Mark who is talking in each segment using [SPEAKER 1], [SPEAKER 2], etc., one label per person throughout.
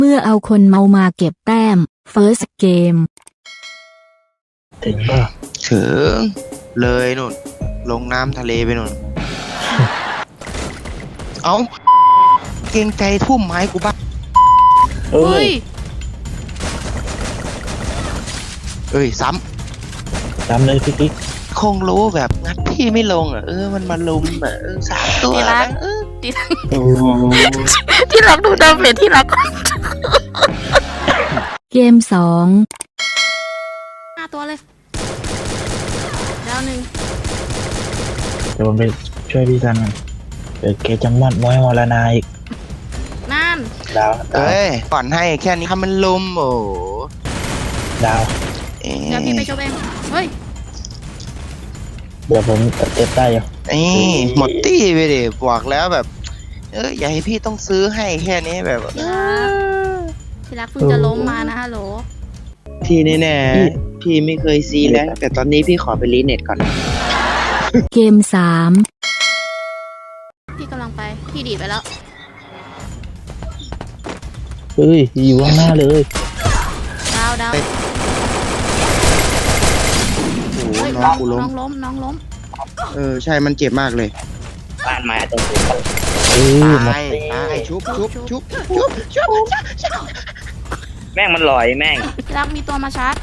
[SPEAKER 1] เมื่อเอาคนเมามาเก็บแต้ม First Game
[SPEAKER 2] ถึงป่ะ
[SPEAKER 3] ถึงเลยนู่นลงน้ำทะเลไปนู่น เอาเกรงใจทุ่มไม้กูบ้าง
[SPEAKER 2] เอ้ย
[SPEAKER 3] เอ้ยซ้
[SPEAKER 2] จำเลยพี่กิ๊ก
[SPEAKER 3] ำคงรู้แบบงัดพี่ไม่ลงอ่ะมันมาลุมอ่ะสามตัว
[SPEAKER 4] ที่รัก
[SPEAKER 3] นะ
[SPEAKER 2] โอ้
[SPEAKER 4] ที่รักดูดาเมจที่รัก
[SPEAKER 1] เกม 2
[SPEAKER 4] 5 ตัวเลยดาวหนึ่ง
[SPEAKER 2] เดี๋ยวผมไปช่วยพี่ซันกันเดี๋ยวแกจะมอดม้อยมรณาอีก
[SPEAKER 4] นั่น
[SPEAKER 2] ดาว
[SPEAKER 3] เอ้ยก่อนให้แค่นี้ทำมันลุมโอ้
[SPEAKER 2] ดาว
[SPEAKER 3] เอ๊ะ
[SPEAKER 4] เดี๋ยวพี่ไปชมเองเฮ้ย
[SPEAKER 2] เดี๋ยวผมเจ็บได้อยู่
[SPEAKER 3] หมดตี้ไปดิบอกแล้วแบบอย่าให้พี่ต้องซื้อให้แค่นี้แบบ
[SPEAKER 4] ที่รักเพิ่งจะล้มมานะฮัลโหล
[SPEAKER 3] ที่แน่ๆพี่ไม่เคยซีแล้วแต่ตอนนี้พี่ขอไปรีเน็ตก่อน
[SPEAKER 1] เกม
[SPEAKER 4] พี่กำลังไปพี่ดีดไปแล้ว
[SPEAKER 2] เฮ้ยอยู่ข้างหน้าเลย
[SPEAKER 4] ดาว
[SPEAKER 3] โอ้โห
[SPEAKER 4] เฮ้ย
[SPEAKER 3] น้องกูล้ม
[SPEAKER 4] น้องล้ม
[SPEAKER 3] ใช่มันเจ็บมากเลย
[SPEAKER 2] บ้านมาตรงนี้หมด
[SPEAKER 3] ตายชุบ
[SPEAKER 2] แม่งมันลอยแม่ง
[SPEAKER 4] ที่รักมีตัวมาชาร์จ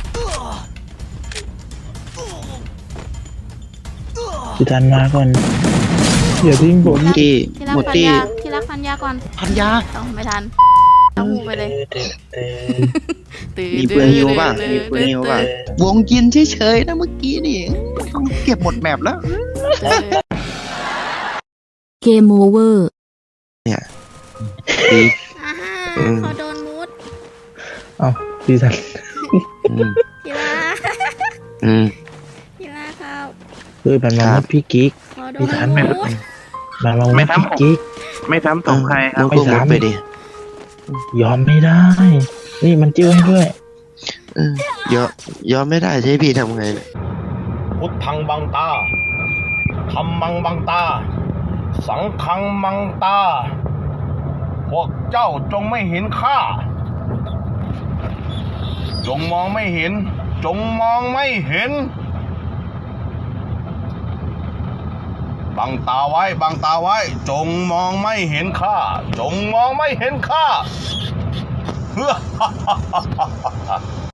[SPEAKER 2] พี่ซันมาก่อนอย่าทิ้งผม
[SPEAKER 3] ที่
[SPEAKER 4] ที่รัก
[SPEAKER 3] หมด
[SPEAKER 4] พัน
[SPEAKER 3] ที่
[SPEAKER 4] ยาที่รักพันยาก่อน
[SPEAKER 3] พันยา
[SPEAKER 4] ต้องไม่ทันต้องหูไปเลยตื่น
[SPEAKER 3] มีปืนฮิวป่ะมีปืนฮิวป่ะวงกินเฉยๆนะเมื่อกี้นี่ต้องเก็บหมดแมปแล้ว
[SPEAKER 1] 3 เกม Over
[SPEAKER 3] ดี
[SPEAKER 4] อ่าฮะ
[SPEAKER 3] อืม
[SPEAKER 4] เขาโดนมูด
[SPEAKER 2] เอ้าพี่ซัน
[SPEAKER 3] อืม
[SPEAKER 4] ที่รัก
[SPEAKER 3] อืม
[SPEAKER 4] ที่รักเขา
[SPEAKER 2] เฮ้ยมันมา
[SPEAKER 3] ครับ
[SPEAKER 2] มุดพี่กิ๊ก
[SPEAKER 4] เขาโด
[SPEAKER 2] พี่
[SPEAKER 4] น
[SPEAKER 2] ทัน
[SPEAKER 4] มู
[SPEAKER 2] ไหม
[SPEAKER 4] ด
[SPEAKER 2] มันมามุดพี่กิ๊ก
[SPEAKER 5] ไม่ซ้ำส่งใครครับ
[SPEAKER 3] มึงก็มุดไปดิ
[SPEAKER 2] ยอมไม่ได้ นี่มันจิ้วให้ด้วย
[SPEAKER 3] ยอมไม่ได้ใช่พี่ทำไงเนี่ย
[SPEAKER 6] พุทธังบังตาธัมมังบังตา สังฆังมังตา พวกเจ้าจงไม่เห็นข้า จงมองไม่เห็น จงมองไม่เห็น บังตาไว้ บังตาไว้ จงมองไม่เห็นข้า จงมองไม่เห็นข้า